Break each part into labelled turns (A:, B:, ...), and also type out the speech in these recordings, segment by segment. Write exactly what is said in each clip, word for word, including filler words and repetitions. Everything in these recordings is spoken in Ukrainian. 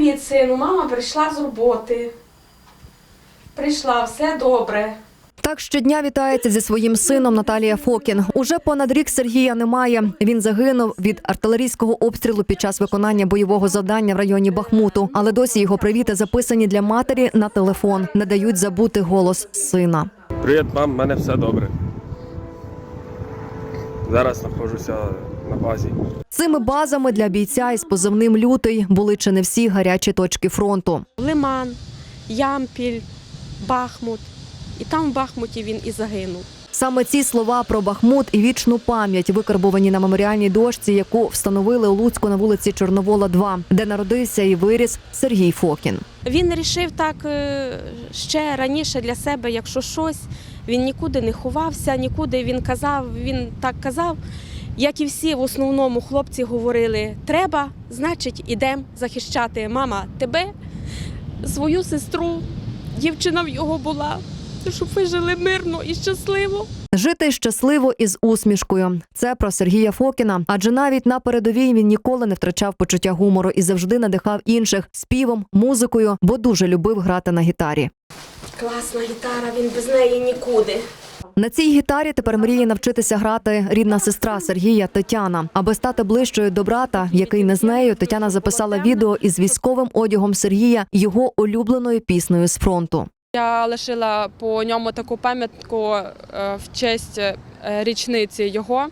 A: Привіт, сину, мама прийшла з роботи. Прийшла, все добре.
B: Так щодня вітається зі своїм сином Наталія Фокін. Уже понад рік Сергія немає. Він загинув від артилерійського обстрілу під час виконання бойового завдання в районі Бахмуту. Але досі його привіти записані для матері на телефон. Не дають забути голос сина.
C: Привіт, мам, в мене все добре. Зараз знаходжуся на базі.
B: Цими базами для бійця із позивним «Лютий» були чи не всі гарячі точки фронту.
A: Лиман, Ямпіль, Бахмут. І там в Бахмуті він і загинув.
B: Саме ці слова про Бахмут і вічну пам'ять викарбовані на меморіальній дошці, яку встановили у Луцьку на вулиці Чорновола, два, де народився і виріс Сергій Фокін.
A: Він вирішив так ще раніше для себе, якщо щось, він нікуди не ховався, нікуди він казав, він так казав, як і всі в основному хлопці говорили, треба, значить, ідемо захищати. Мама, тебе, свою сестру, дівчина в його була, щоб ви жили мирно і щасливо.
B: Жити щасливо і з усмішкою. Це про Сергія Фокіна. Адже навіть на передовій він ніколи не втрачав почуття гумору і завжди надихав інших співом, музикою, бо дуже любив грати на гітарі.
A: Класна гітара, він без неї нікуди.
B: На цій гітарі тепер мріє навчитися грати рідна сестра Сергія Тетяна. Аби стати ближчою до брата, який не з нею, Тетяна записала відео із військовим одягом Сергія, його улюбленою піснею з фронту.
D: Я лишила по ньому таку пам'ятку в честь річниці його.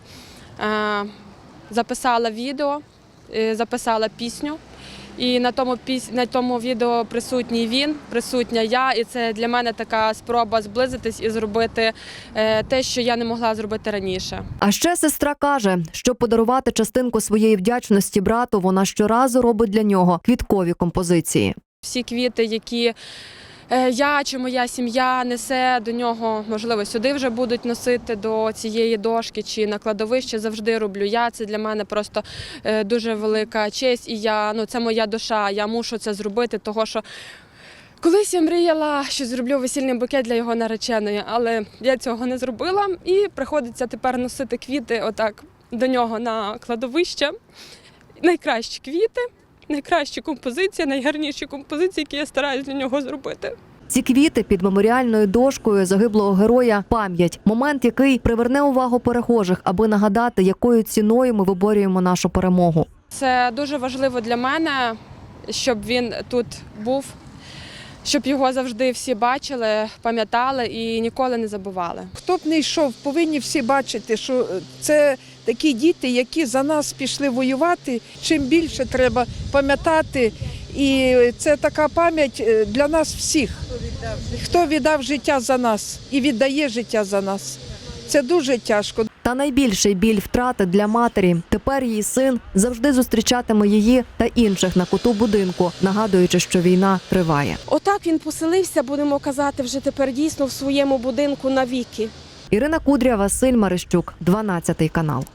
D: Записала відео, записала пісню. І на тому, піс... на тому відео присутній він, присутня я. І це для мене така спроба зблизитись і зробити те, що я не могла зробити раніше.
B: А ще сестра каже, щоб подарувати частинку своєї вдячності брату, вона щоразу робить для нього квіткові композиції.
D: Всі квіти, які я чи моя сім'я несе до нього, можливо, сюди вже будуть носити до цієї дошки чи на кладовище, завжди роблю я. Це для мене просто дуже велика честь, і я, ну, це моя душа, я мушу це зробити, того що колись я мріяла, що зроблю весільний букет для його нареченої, але я цього не зробила, і приходиться тепер носити квіти отак до нього на кладовище. Найкращі квіти. Найкращі композиції, найгарніші композиції, які я стараюсь для нього зробити.
B: Ці квіти під меморіальною дошкою загиблого героя – пам'ять. Момент, який приверне увагу перехожих, аби нагадати, якою ціною ми виборюємо нашу перемогу.
D: Це дуже важливо для мене, щоб він тут був, щоб його завжди всі бачили, пам'ятали і ніколи не забували.
E: Хто б не йшов, повинні всі бачити, що це такі діти, які за нас пішли воювати. Чим більше треба пам'ятати, і це така пам'ять для нас всіх. Хто віддав життя за нас і віддає життя за нас. Це дуже тяжко.
B: Та найбільший біль втрати для матері. Тепер її син завжди зустрічатиме її та інших на куту будинку, нагадуючи, що війна триває.
A: Отак він поселився, будемо казати, вже тепер дійсно в своєму будинку навіки.
B: Ірина Кудря, Василь Марищук, дванадцятий канал.